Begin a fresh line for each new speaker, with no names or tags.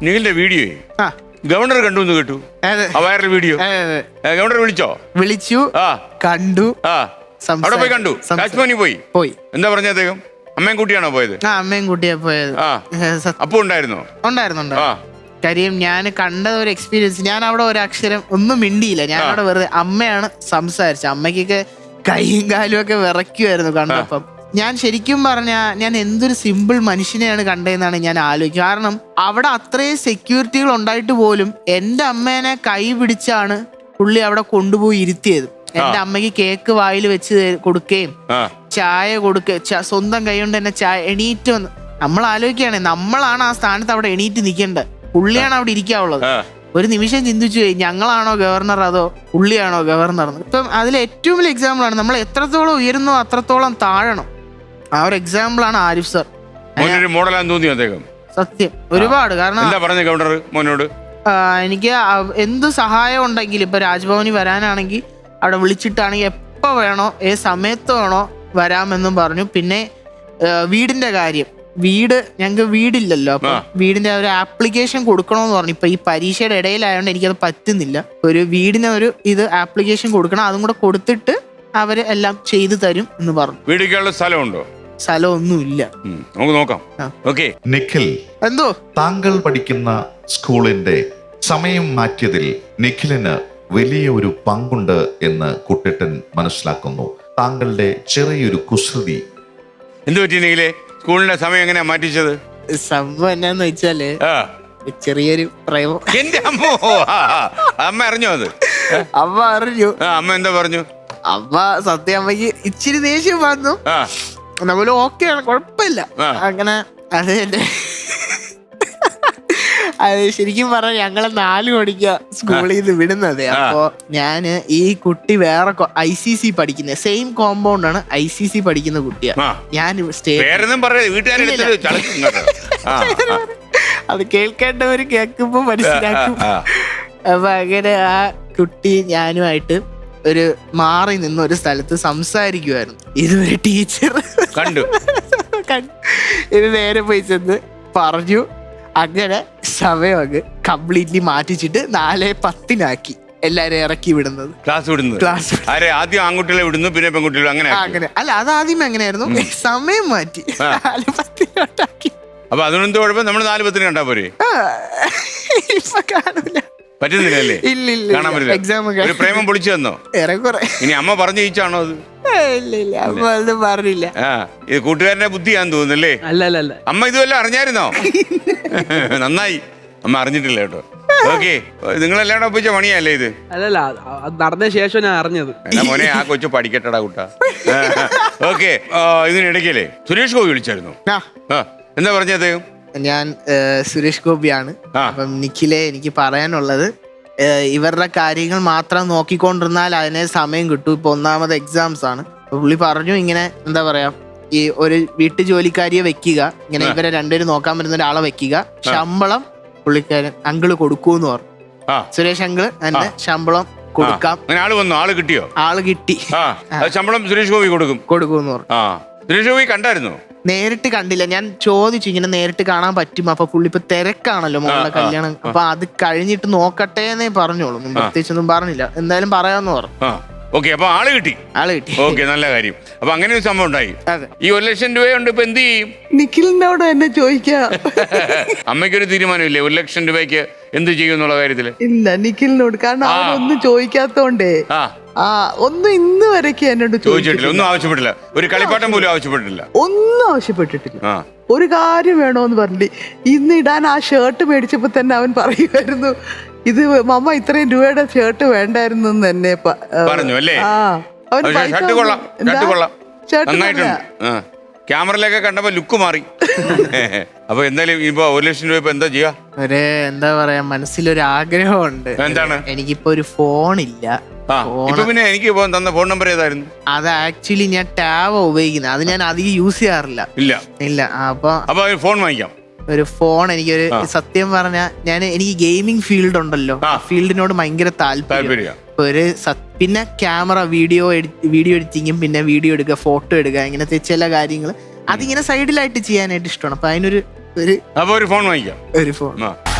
നിഖിലിന്റെ video governor കണ്ടു എന്ന് കേട്ടു. വൈറൽ വീഡിയോ ഗവർണർ വിളിച്ചു
കണ്ടു.
അവിടെ പോയി കണ്ടു. രാജ്ഭവനിൽ പോയി. എന്താ പറഞ്ഞ അദ്ദേഹം? അമ്മയും കുട്ടിയാണോ പോയത്?
അമ്മയും കുട്ടിയാ പോയത്.
അപ്പൊ ഉണ്ടായിരുന്നു.
കാര്യം ഞാൻ കണ്ട ഒരു എക്സ്പീരിയൻസ്. ഞാൻ അവിടെ ഒരക്ഷരം ഒന്നും മിണ്ടിയില്ല. ഞാൻ അവിടെ വെറുതെ അമ്മയാണ് സംസാരിച്ചത്. അമ്മയ്ക്കൊക്കെ കൈയും കാലും ഒക്കെ വിറയ്ക്കുമായിരുന്നു കണ്ടപ്പം. ഞാൻ ശരിക്കും പറഞ്ഞാൽ ഞാൻ എന്തൊരു സിമ്പിൾ മനുഷ്യനെയാണ് കണ്ടതെന്നാണ് ഞാൻ ആലോചിക്കുക. കാരണം അവിടെ അത്രയും സെക്യൂരിറ്റികൾ ഉണ്ടായിട്ട് പോലും എൻ്റെ അമ്മേനെ കൈ പിടിച്ചാണ് പുള്ളി അവിടെ കൊണ്ടുപോയി ഇരുത്തിയത്. എന്റെ അമ്മയ്ക്ക് കേക്ക് വായിൽ വെച്ച് കൊടുക്കുകയും ചായ സ്വന്തം കൈ കൊണ്ട് തന്നെ ചായ എണീറ്റ് വന്ന്. നമ്മൾ ആലോചിക്കുകയാണെ നമ്മളാണ് ആ സ്ഥാനത്ത് അവിടെ എണീറ്റ് നിൽക്കേണ്ടത്. പുള്ളിയാണ് അവിടെ ഇരിക്കാനുള്ളത്. ഒരു നിമിഷം ചിന്തിച്ചു പോയി, ഞങ്ങളാണോ ഗവർണർ അതോ പുള്ളിയാണോ ഗവർണർ? ഇപ്പം അതിൽ ഏറ്റവും വലിയ എക്സാമ്പിൾ ആണ്, നമ്മൾ എത്രത്തോളം ഉയരുന്നോ അത്രത്തോളം താഴണം. ആ ഒരു എക്സാമ്പിൾ ആണ് ആരിഫ് സർ.
മോഡലാന്ന് തോന്നി അദ്ദേഹം.
സത്യം ഒരുപാട്. കാരണം
ഗവർണർ മോനോട്
എനിക്ക് എന്ത് സഹായം ഉണ്ടെങ്കിലും ഇപ്പൊ രാജ്ഭവനിൽ വരാനാണെങ്കിൽ അവിടെ വിളിച്ചിട്ടാണെങ്കിൽ എപ്പോ വേണോ ഏത് സമയത്ത് വേണോ വരാമെന്നും പറഞ്ഞു. പിന്നെ വീടിന്റെ കാര്യം, ഞങ്ങൾക്ക് വീടില്ലല്ലോ, അപ്പൊ വീടിന്റെ ഒരു ആപ്ലിക്കേഷൻ കൊടുക്കണമെന്ന് പറഞ്ഞു. ഇപ്പൊ ഈ പരീക്ഷയുടെ ഇടയിലായതുകൊണ്ട് എനിക്കത് പറ്റുന്നില്ല. ഒരു വീടിന് ഒരു ആപ്ലിക്കേഷൻ കൊടുക്കണം. അതും കൂടെ കൊടുത്തിട്ട് അവര് എല്ലാം ചെയ്തു തരും എന്ന് പറഞ്ഞു.
വീടിനുള്ള സ്ഥലമുണ്ടോ?
സ്ഥലമൊന്നുമില്ല.
നമുക്ക് നോക്കാം.
നിഖിൽ,
എന്തോ
താങ്കൾ പഠിക്കുന്ന സ്കൂളിന്റെ സമയം മാറ്റിയതിൽ നിഖിലിന് വലിയ ഒരു പങ്കുണ്ട് എന്ന് കുട്ടേട്ടൻ മനസ്സിലാക്കുന്നു. താങ്കളുടെ ചെറിയൊരു കുസൃതി
എന്ത് പറ്റി നിഖിലേ? സ്കൂളിന്റെ സമയം എങ്ങനെയാ മാറ്റിച്ചത്?
സംഭവം എന്നാന്ന് വെച്ചാല് ചെറിയൊരു പ്രേമം.
എന്റെ അമ്മ അറിഞ്ഞോ അത്?
അമ്മ അറിഞ്ഞു.
അമ്മ എന്താ പറഞ്ഞു?
അമ്മ സത്യം അമ്മയ്ക്ക് ഇച്ചിരി ദേഷ്യം വന്നു. നമ്മള് ഓക്കെയാണ്, കുഴപ്പമില്ല. അങ്ങനെ അത് എന്റെ അത് ശരിക്കും പറഞ്ഞ ഞങ്ങളെ 4 മണിക്കാ സ്കൂളിൽ നിന്ന് വിടുന്നത്. അപ്പൊ ഞാന് ഈ കുട്ടി വേറെ ICC പഠിക്കുന്ന സെയിം കോമ്പൗണ്ട് ആണ്, ICC പഠിക്കുന്ന കുട്ടിയാ. ഞാൻ അത് കേൾക്കേണ്ടവര് കേൾക്കുമ്പോ മനസ്സിലാക്കും. അപ്പൊ അങ്ങനെ ആ കുട്ടി ഞാനുമായിട്ട് ഒരു മാറി നിന്ന് ഒരു സ്ഥലത്ത് സംസാരിക്കുമായിരുന്നു. ഇതൊരു ടീച്ചർ കണ്ടു. ഇത് നേരെ പോയി ചെന്ന് പറഞ്ഞു. അങ്ങനെ സമയം അങ്ങ് കംപ്ലീറ്റ്ലി മാറ്റിച്ചിട്ട് 4:10 എല്ലാരും ഇറക്കി വിടുന്നത്.
ക്ലാസ് ആദ്യം ആൺകുട്ടികളെ വിടുന്നു, പിന്നെ പെൺകുട്ടികൾ. അങ്ങനെ
അല്ല, അത് ആദ്യമേ എങ്ങനെയായിരുന്നു, സമയം മാറ്റി 4:10
അപ്പൊ അതിനെന്ത് കുഴപ്പം? നമ്മൾ 4:10 കണ്ടാ പോരെ?
ഇപ്പൊ കാണൂല,
പറ്റുന്നില്ലല്ലേ? കാണാൻ പറ്റില്ല.
എക്സാം
ഒരു പ്രേമം പൊളിച്ചു തന്നോ? ഇനി അമ്മ പറഞ്ഞു ജയിച്ചാണോ അത്?
ഇല്ല, അമ്മ ഒന്നും പറഞ്ഞില്ല.
ഇത് കൂട്ടുകാരന്റെ ബുദ്ധിയാന്ന് തോന്നുന്നല്ലേ?
അല്ല,
അമ്മ ഇതുവല്ല അറിഞ്ഞായിരുന്നോ? നന്നായി, അമ്മ അറിഞ്ഞിട്ടില്ല കേട്ടോ. ഓക്കെ, നിങ്ങളെല്ലാം കൂടെ ഒപ്പിച്ച പണിയല്ലേ ഇത്?
അല്ലല്ല, നടന്ന ശേഷം ഞാൻ അറിഞ്ഞത്.
എന്നാ മോനെ, ആ കൊച്ചു പഠിക്കട്ടടാ കുട്ടാ. ഓക്കെ, ഇതിനിടയ്ക്കല്ലേ സുരേഷ് ഗോപി വിളിച്ചായിരുന്നു? എന്താ പറഞ്ഞ അദ്ദേഹം?
ഞാൻ സുരേഷ് ഗോപിയാണ്. അപ്പം നിഖിലെ, എനിക്ക് പറയാനുള്ളത്, ഇവരുടെ കാര്യങ്ങൾ മാത്രം നോക്കിക്കൊണ്ടിരുന്നാൽ അതിനെ സമയം കിട്ടും. ഇപ്പൊ ഒന്നാമത് എക്സാംസ് ആണ്. പുള്ളി പറഞ്ഞു ഇങ്ങനെ എന്താ പറയാ, ഈ ഒരു വീട്ടു ജോലിക്കാരിയെ വെക്കുക, ഇങ്ങനെ ഇവരെ രണ്ടുപേരും നോക്കാൻ പറ്റുന്ന ഒരാളെ വെക്കുക, ശമ്പളം പുള്ളിക്കാരൻ അങ്കിള് കൊടുക്കൂന്ന് പറഞ്ഞു. സുരേഷ് അങ്കിള് തന്നെ ശമ്പളം കൊടുക്കാം.
ആള് കിട്ടിയോ?
ആള് കിട്ടി.
ശമ്പളം സുരേഷ് ഗോപി
കൊടുക്കൂന്ന് പറഞ്ഞു.
സുരേഷ് ഗോപി കണ്ടായിരുന്നോ?
നേരിട്ട് കണ്ടില്ല. ഞാൻ ചോദിച്ചു ഇങ്ങനെ നേരിട്ട് കാണാൻ പറ്റും. അപ്പൊ പുള്ളി ഇപ്പൊ തിരക്കാണല്ലോ മോളുടെ കല്യാണം. അപ്പൊ അത് കഴിഞ്ഞിട്ട് നോക്കട്ടെ എന്നേ പറഞ്ഞോളൂ, പ്രത്യേകിച്ചൊന്നും പറഞ്ഞില്ല. എന്തായാലും പറയാന്ന് പറഞ്ഞു.
ഓക്കെ, അപ്പൊ ആള് കിട്ടി. ഓക്കെ, നല്ല കാര്യം. അപ്പൊ അങ്ങനെ ഒരു സംഭവം ഉണ്ടായി. ഈ 1 ലക്ഷം രൂപയുണ്ട്, ഇപ്പൊ എന്ത് ചെയ്യും?
നിഖിലിനോട് എന്നെ ചോദിക്കാം.
അമ്മയ്ക്കൊരു തീരുമാനമില്ലേ 1 ലക്ഷം രൂപയ്ക്ക് എന്ത് ചെയ്യും എന്നുള്ള കാര്യത്തില്?
ഇല്ല, നിഖിലിനോട്. കാരണം അവനൊന്നും ചോദിക്കാത്തോണ്ടേ ഒന്നും ഇന്ന് വരയ്ക്ക് എന്നോട്
ചോദിച്ചിട്ടില്ല, ഒന്നും ആവശ്യപ്പെട്ടില്ല. ഒരു കളിപ്പാട്ടം പോലും ആവശ്യപ്പെട്ടിട്ടില്ല,
ഒന്നും ആവശ്യപ്പെട്ടിട്ടില്ല. ഒരു കാര്യം വേണോന്ന് പറഞ്ഞിട്ട് ഇന്ന് ഇടാൻ ആ ഷർട്ട് മേടിച്ചപ്പോ തന്നെ അവൻ പറയുമായിരുന്നു, ഇത് മമ്മ ഇത്രയും രൂപയുടെ ഷർട്ട് വേണ്ടായിരുന്നു തന്നെ
പറഞ്ഞു അല്ലേ?
അവൻ
ക്യാമറയിലൊക്കെ കണ്ടപ്പോ ലുക്ക് മാറി. അപ്പൊ എന്തായാലും ഇപ്പൊ 1 ലക്ഷം രൂപ എന്താ ചെയ്യാ?
എന്താ പറയാ, മനസ്സിലൊരു ആഗ്രഹമുണ്ട്.
എന്താണ്?
എനിക്കിപ്പോ ഒരു ഫോണില്ല.
പിന്നെ എനിക്ക് തന്ന ഫോൺ നമ്പർ ഏതായിരുന്നു?
അത് ആക്ച്വലി ഞാൻ ടാബ് ഉപയോഗിക്കുന്നത്, അത് ഞാൻ അധികം യൂസ് ചെയ്യാറില്ല. ഇല്ല.
അപ്പൊ ഫോൺ വാങ്ങിക്കാം.
ഒരു ഫോൺ എനിക്കൊരു സത്യം പറഞ്ഞാൽ എനിക്ക് ഗെയിമിംഗ് ഫീൽഡ് ഉണ്ടല്ലോ, ഫീൽഡിനോട് ഭയങ്കര താല്പര്യം. പിന്നെ ക്യാമറ, വീഡിയോ എഡിറ്റിങ്ങും, പിന്നെ വീഡിയോ എടുക്കുക, ഫോട്ടോ എടുക്കുക, ഇങ്ങനത്തെ ചില കാര്യങ്ങൾ അതിങ്ങനെ സൈഡിലായിട്ട് ചെയ്യാനായിട്ട് ഇഷ്ടമാണ്. അപ്പൊ അതിനൊരു ഫോൺ വാങ്ങിക്കാം. ഒരു ഫോൺ